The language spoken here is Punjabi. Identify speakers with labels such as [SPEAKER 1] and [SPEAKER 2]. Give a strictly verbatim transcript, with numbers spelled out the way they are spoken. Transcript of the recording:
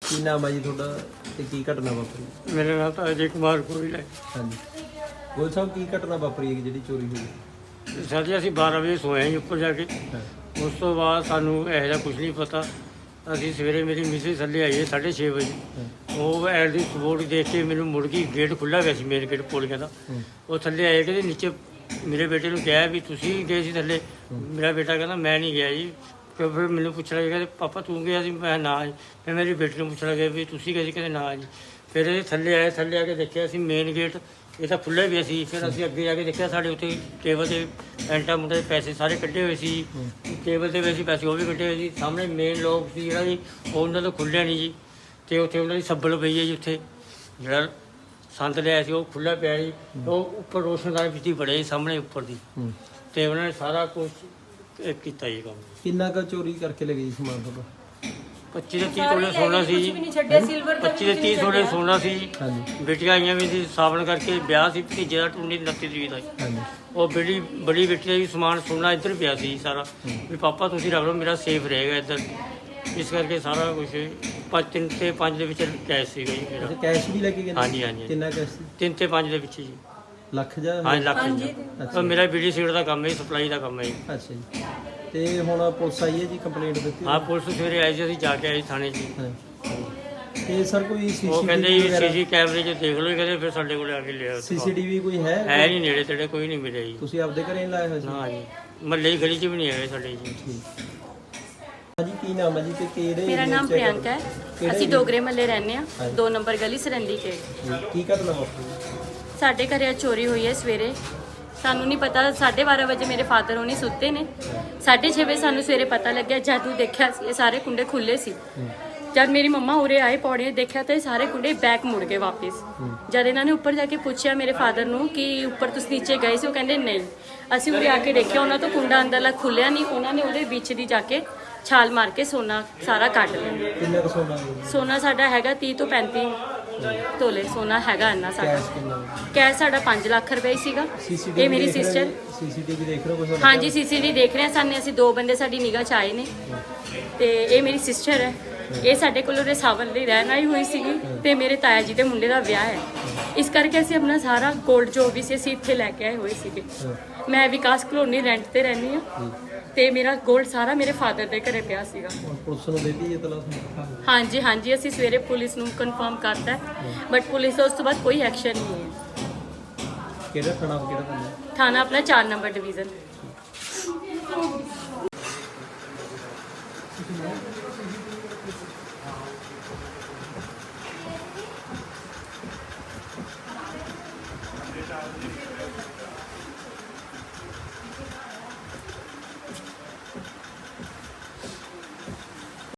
[SPEAKER 1] ਕੀ ਨਾਮ ਹੈ ਜੀ ਤੁਹਾਡਾ ਤੇ ਕੀ ਘਟਨਾ ਵਾਪਰੀ?
[SPEAKER 2] मेरा नाम तो अजय कुमार गोयल है।
[SPEAKER 1] ਹਾਂਜੀ ਗੋਲ ਸਾਹਿਬ ਕੀ ਘਟਨਾ ਵਾਪਰੀ ਹੈ ਜਿਹੜੀ ਚੋਰੀ ਹੋਈ?
[SPEAKER 2] सर जी ਅਸੀਂ ਬਾਰਾਂ ਵਜੇ ਸੋਏ ਹਾਂ ਜੀ ਉੱਪਰ ਜਾ ਕੇ।
[SPEAKER 1] ਹਾਂ
[SPEAKER 2] ਉਸ ਤੋਂ ਬਾਅਦ ਸਾਨੂੰ ਇਹੋ ਜਿਹਾ ਕੁਝ ਨਹੀਂ ਪਤਾ। ਅਸੀਂ ਸਵੇਰੇ ਮੇਰੀ ਮਿਸਿਸ ਥੱਲੇ ਆਈ ਹੈ ਸਾਢੇ ਛੇ ਵਜੇ।
[SPEAKER 1] ਹਾਂ
[SPEAKER 2] ਉਹ ਐਡ ਦੀ ਸਪੋਰਟ ਦੇਖ ਕੇ ਮੈਨੂੰ ਮੁੜ ਗਈ, ਗੇਟ ਖੁੱਲ੍ਹਾ ਗਿਆ ਸੀ ਮੇਨ ਗੇਟ ਪੌੜੀਆਂ ਦਾ।
[SPEAKER 1] ਹੂੰ,
[SPEAKER 2] ਉਹ ਥੱਲੇ ਆਏ ਕਿ ਨੀਚੇ ਮੇਰੇ ਬੇਟੇ ਨੂੰ ਕਿਹਾ ਵੀ ਤੁਸੀਂ ਗਏ ਸੀ ਥੱਲੇ। ਮੇਰਾ ਬੇਟਾ ਕਹਿੰਦਾ ਮੈਂ ਨਹੀਂ ਗਿਆ ਜੀ। ਫਿਰ ਫਿਰ ਮੈਨੂੰ ਪੁੱਛਣ ਲੱਗੇ ਕਹਿੰਦੇ ਪਾਪਾ ਤੂੰ ਗਿਆ ਸੀ? ਮੈਂ ਨਾ ਜੀ। ਫਿਰ ਮੇਰੀ ਬੇਟੀ ਨੂੰ ਪੁੱਛਣ ਲੱਗੇ ਵੀ ਤੁਸੀਂ ਗਏ ਸੀ? ਕਹਿੰਦੇ ਨਾ ਜੀ। ਫਿਰ ਇਹ ਥੱਲੇ ਆਏ, ਥੱਲੇ ਆ ਕੇ ਦੇਖਿਆ ਅਸੀਂ ਮੇਨ ਗੇਟ ਇਹ ਤਾਂ ਖੁੱਲ੍ਹਾ ਵੀ ਸੀ। ਫਿਰ ਅਸੀਂ ਅੱਗੇ ਜਾ ਕੇ ਦੇਖਿਆ ਸਾਡੇ ਉੱਤੇ ਟੇਬਲ 'ਤੇ ਐਂਟਾ ਮੁੰਡੇ ਦੇ ਪੈਸੇ ਸਾਰੇ ਕੱਢੇ ਹੋਏ ਸੀ। ਟੇਬਲ 'ਤੇ ਵੀ ਅਸੀਂ ਪੈਸੇ ਉਹ ਵੀ ਕੱਢੇ ਹੋਏ ਸੀ। ਸਾਹਮਣੇ ਮੇਨ ਲੋਕ ਸੀ ਜਿਹੜਾ ਜੀ ਉਹ ਉਹਨਾਂ ਤੋਂ ਖੁੱਲ੍ਹਿਆ ਨਹੀਂ ਜੀ। ਅਤੇ ਉੱਥੇ ਉਹਨਾਂ ਦੀ ਸੱਬਲ ਪਈ ਹੈ ਜੀ। ਉੱਥੇ ਜਿਹੜਾ ਸੰਦ ਲਿਆ ਸੀ ਉਹ ਖੁੱਲ੍ਹਾ ਪਿਆ ਜੀ। ਉਹ ਉੱਪਰ ਰੋਸ਼ਨਦਾਨ ਵਿੱਚ ਹੀ ਬੜੇ ਸੀ ਸਾਹਮਣੇ ਉੱਪਰ ਦੀ।
[SPEAKER 1] ਹੂੰ।
[SPEAKER 2] ਅਤੇ ਉਹਨਾਂ ਨੇ ਸਾਰਾ ਕੁਛ ਇਹ ਕੀਤਾ ਜੀ ਕੰਮ।
[SPEAKER 1] ਕਿੰਨਾ ਕੁ ਚੋਰੀ ਕਰਕੇ ਲੈ ਗਈ ਸਮਾਨ ਤੁਹਾਡਾ?
[SPEAKER 2] ਪੱਚੀ ਤੋਂ ਤੀਹ ਤੋਲੇ ਸੋਨਾ ਸੀ ਜੀ। ਪੱਚੀ ਤੋਂ ਤੀਹ ਤੋਲੇ ਸੋਨਾ ਸੀ ਜੀ।
[SPEAKER 1] ਹਾਂਜੀ
[SPEAKER 2] ਬੇਟੀਆਂ ਆਈਆਂ ਵੀ ਸੀ ਸਾਵਣ ਕਰਕੇ। ਵਿਆਹ ਸੀ ਭਤੀਜੇ ਦਾ ਉੱਨੀ ਉਨੱਤੀ ਤਰੀਕ ਦਾ ਜੀ।
[SPEAKER 1] ਹਾਂਜੀ
[SPEAKER 2] ਉਹ ਬੜੀ ਬੜੀ ਬੇਟੀ ਦਾ ਵੀ ਸਮਾਨ ਸੋਨਾ ਇੱਧਰ ਪਿਆ ਸੀ ਸਾਰਾ। ਵੀ ਪਾਪਾ ਤੁਸੀਂ ਰੱਖ ਲਓ ਮੇਰਾ ਸੇਫ ਰਹੇਗਾ ਇੱਧਰ। ਇਸ ਕਰਕੇ ਸਾਰਾ ਕੁਝ ਪੰਜ ਤਿੰਨ ਤੇ ਪੰਜ ਦੇ ਵਿੱਚ ਕੈਸ਼ ਸੀਗਾ ਜੀ ਮੇਰਾ।
[SPEAKER 1] ਅੱਛਾ ਕੈਸ਼ ਵੀ ਲੈ ਕੇ ਗਏ?
[SPEAKER 2] ਹਾਂਜੀ ਹਾਂਜੀ
[SPEAKER 1] ਕਿੰਨਾ ਕੈਸ਼ ਸੀ?
[SPEAKER 2] ਤਿੰਨ ਤੇ ਪੰਜ ਦੇ ਵਿੱਚ ਜੀ।
[SPEAKER 1] ਲੱਖ ਜਾਂ?
[SPEAKER 2] ਹਾਂਜੀ ਲੱਖ ਜੀ।
[SPEAKER 1] ਅੱਛਾ
[SPEAKER 2] ਉਹ ਮੇਰਾ ਬੀਡੀ ਸੀਟ ਦਾ ਕੰਮ ਹੈ, ਸਪਲਾਈ ਦਾ ਕੰਮ ਹੈ ਜੀ।
[SPEAKER 1] ਅੱਛਾ ਜੀ। ਤੇ ਹੁਣ ਪੁਲਿਸ ਆਈ ਹੈ ਜੀ, ਕੰਪਲੇਂਟ ਦਿੱਤੀ?
[SPEAKER 2] ਹਾਂ ਪੁਲਿਸ ਸਵੇਰੇ ਆਈ ਸੀ, ਅਸੀਂ ਜਾ ਕੇ ਆਏ ਥਾਣੇ 'ਚ ਜੀ।
[SPEAKER 1] ਹਾਂ। ਤੇ ਸਰ ਕੋਈ
[SPEAKER 2] ਉਹ ਕਹਿੰਦੇ ਜੀ
[SPEAKER 1] ਸੀਸੀਟੀਵੀ
[SPEAKER 2] ਸੀਸੀ ਕੈਮਰੇ 'ਚ ਦੇਖ ਲਓ। ਕਹਿੰਦੇ ਫਿਰ ਸਾਡੇ ਕੋਲ ਆ ਕੇ ਲਿਆ।
[SPEAKER 1] ਸੀਸੀਟੀਵੀ ਕੋਈ ਹੈ?
[SPEAKER 2] ਹੈ ਨਹੀਂ ਨੇੜੇ ਤੇੜੇ ਕੋਈ ਨਹੀਂ ਮਿਲਿਆ ਜੀ।
[SPEAKER 1] ਤੁਸੀਂ ਆਪਦੇ ਘਰੇ ਨਹੀਂ ਲਾਇਆ ਹੋਇਆ ਸੀ?
[SPEAKER 2] ਨਾ ਜੀ ਮਹੱਲੇ ਦੀ ਗਲੀ 'ਚ ਵੀ ਨਹੀਂ ਹੈਗੇ ਸਾਡੇ ਜੀ।
[SPEAKER 1] ਠੀਕ। ਹਾਂਜੀ ਕੀ ਨਾਮ ਹੈ ਜੀ ਤੇ ਕਿਹੜੇ?
[SPEAKER 3] ਮੇਰਾ ਨਾਮ ਪ੍ਰਿਯੰਕਾ ਹੈ। ਅਸੀਂ ਡੋਗਰੇ ਮੱਲੇ ਰਹਿੰਦੇ ਹਾਂ, ਦੋ ਨੰਬਰ ਗਲੀ ਸਰੰਦੀ ਕੇ।
[SPEAKER 1] ਕੀ ਘਟਨਾ ਵਾਪਰੀ?
[SPEAKER 3] ਸਾਡੇ ਘਰੇ ਅੱਜ ਚੋਰੀ ਹੋਈ ਹੈ ਸਵੇਰੇ। ਸਾਨੂੰ ਨਹੀਂ ਪਤਾ, ਸਾਢੇ ਬਾਰਾਂ ਵਜੇ ਮੇਰੇ ਫਾਦਰ ਹੋਣੀ ਸੁੱਤੇ ਨੇ। ਸਾਢੇ ਛੇ ਵਜੇ ਸਾਨੂੰ ਸਵੇਰੇ ਪਤਾ ਲੱਗਿਆ। ਜਦ ਦੇਖਿਆ ਸੀ ਇਹ ਸਾਰੇ ਕੁੰਡੇ ਖੁੱਲੇ ਸੀ। ਜਦ ਮੇਰੀ ਮੰਮਾ ਉਰੇ ਆਏ ਪੌੜੀਆਂ ਦੇਖਿਆ ਤਾਂ ਇਹ ਸਾਰੇ ਕੁੰਡੇ ਬੈਕ ਮੁੜ ਗਏ ਵਾਪਸ। ਜਦ ਇਹਨਾਂ ਨੇ ਉੱਪਰ ਜਾ ਕੇ ਪੁੱਛਿਆ ਮੇਰੇ ਫਾਦਰ ਨੂੰ ਕਿ ਉੱਪਰ ਤੁਸੀਂ ਨੀਚੇ ਗਏ ਸੀ, ਉਹ ਕਹਿੰਦੇ ਨਹੀਂ। ਅਸੀਂ ਉਰੇ ਆ ਕੇ ਦੇਖਿਆ ਉਹਨਾਂ ਤੋਂ ਕੁੰਡਾ ਅੰਦਰਲਾ ਖੁੱਲਿਆ ਨਹੀਂ। ਉਹਨਾਂ ਨੇ ਉਹਦੇ ਵਿੱਚ ਦੀ ਜਾ ਕੇ ਛਾਲ ਮਾਰ ਕੇ ਸੋਨਾ ਸਾਰਾ ਕੱਢ ਲਿਆ।
[SPEAKER 1] ਕਿੰਨਾ ਕੁ ਸੋਨਾ ਹੈ?
[SPEAKER 3] ਸੋਨਾ ਸਾਡਾ ਹੈਗਾ ਤੀਹ ਤੋਂ ਪੈਂਤੀ ਤੋਲੇ ਸੋਨਾ ਹੈਗਾ ਇੰਨਾ ਸਾਡਾ।
[SPEAKER 1] ਕੈਸ਼ ਕਿੰਨਾ?
[SPEAKER 3] ਕੈਸ਼ ਸਾਡਾ ਪੰਜ ਲੱਖ ਰੁਪਏ ਸੀਗਾ। ਇਹ ਮੇਰੀ ਸਿਸਟਰ।
[SPEAKER 1] ਸੀਸੀਟੀਵੀ ਦੇਖ ਰਹੇ ਹੋ ਕੁਝ?
[SPEAKER 3] ਹਾਂਜੀ ਸੀਸੀਟੀਵੀ ਦੇਖ ਰਹੇ ਹਾਂ। ਸਾਨੇ ਅਸੀਂ ਦੋ ਬੰਦੇ ਸਾਡੀ ਨਿਗਾਹ 'ਚ ਆਏ ਨੇ ਤੇ ਇਹ ਮੇਰੀ ਸਿਸਟਰ ਹੈ। ਇਹ ਸਾਡੇ ਕੋਲ ਉਹਦੇ ਸਾਵਨ ਲਈ ਰਹਿਣ ਆਈ ਹੋਈ ਸੀਗੀ ਤੇ ਮੇਰੇ ਤਾਇਆ ਜੀ ਦੇ ਮੁੰਡੇ ਦਾ ਵਿਆਹ ਹੈ। ਇਸ ਕਰਕੇ ਅਸੀਂ ਆਪਣਾ ਸਾਰਾ ਗੋਲਡ ਜੋ ਵੀ ਸੀ ਅਸੀਂ ਇੱਥੇ ਲੈ ਕੇ ਆਏ ਹੋਏ ਸੀਗੇ। ਮੈਂ ਵਿਕਾਸ ਕਲੋਨੀ ਰੈਂਟ ਤੇ ਰਹਿੰਦੀ ਹਾਂ ਤੇ ਮੇਰਾ ਗੋਲਡ ਸਾਰਾ ਮੇਰੇ ਫਾਦਰ ਦੇ ਘਰੇ ਪਿਆ ਸੀਗਾ।
[SPEAKER 1] ਪੁਲਿਸ ਨੂੰ ਦਿੱਤੀ ਇਹ ਤਲਾਸ਼?
[SPEAKER 3] ਹਾਂਜੀ ਹਾਂਜੀ ਅਸੀਂ ਸਵੇਰੇ ਪੁਲਿਸ ਨੂੰ ਕਨਫਰਮ ਕਰਤਾ ਬਟ ਪੁਲਿਸ ਦਾ ਉਸ ਤੋਂ ਬਾਅਦ ਕੋਈ ਐਕਸ਼ਨ ਨਹੀਂ ਹੈ।
[SPEAKER 1] ਕਿਹੜਾ ਥਾਣਾ ਕਿਹੜਾ ਥਾਣਾ?
[SPEAKER 3] ਥਾਣਾ ਆਪਣਾ ਚਾਰ ਨੰਬਰ ਡਿਵੀਜ਼ਨ।